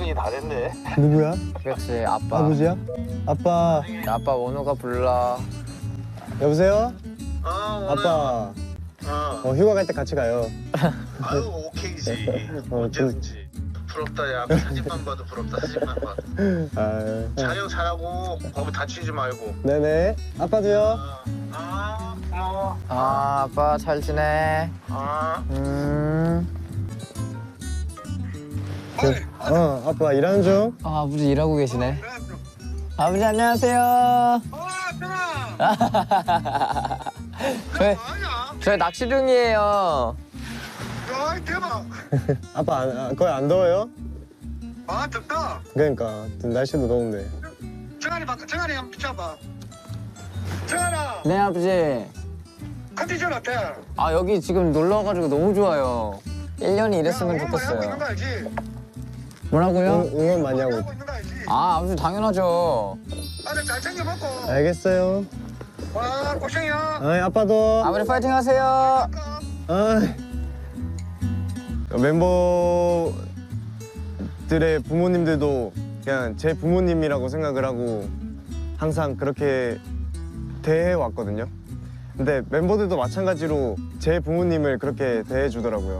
인사동이 다 됐네. 누구야? 그렇지, 아빠. 아버지야? 아빠. 아빠 원우가 불러. 여보세요? 원우야. 아빠. 휴가 갈 때 같이 가요. 아유 오케이지. 언제든지. 부럽다 야. 사진만 봐도 부럽다. 사진만 봐도. 아, 촬영 잘하고 거기 다치지 말고. 네네. 아빠도요. 고마워. 아빠 잘 지내. 아빠 일하는 중. 아버지 일하고 계시네. 아버지 안녕하세요. 저희 낚시 중이에요. 야 대박. 아빠 거의 안 더워요? 아 덥다. 그러니까 날씨도 더운데. 정한이 한번 비춰봐. 정한아 네 아버지. 컨디션 어때? 아 여기 지금 놀러 와가지고 너무 좋아요. 1년이 이랬으면 하고 있는 좋겠어요. 거 알지? 뭐라고요? 응원 많이 하고. 하고 있는 거 알지? 아 아버지 당연하죠. 아들 잘 챙겨 먹고. 알겠어요. 와 고생이야. 아빠도. 아버지 파이팅 하세요. 아. 멤버들의 부모님들도 그냥 제 부모님이라고 생각을 하고 항상 그렇게 대해 왔거든요. 근데 멤버들도 마찬가지로 제 부모님을 그렇게 대해 주더라고요.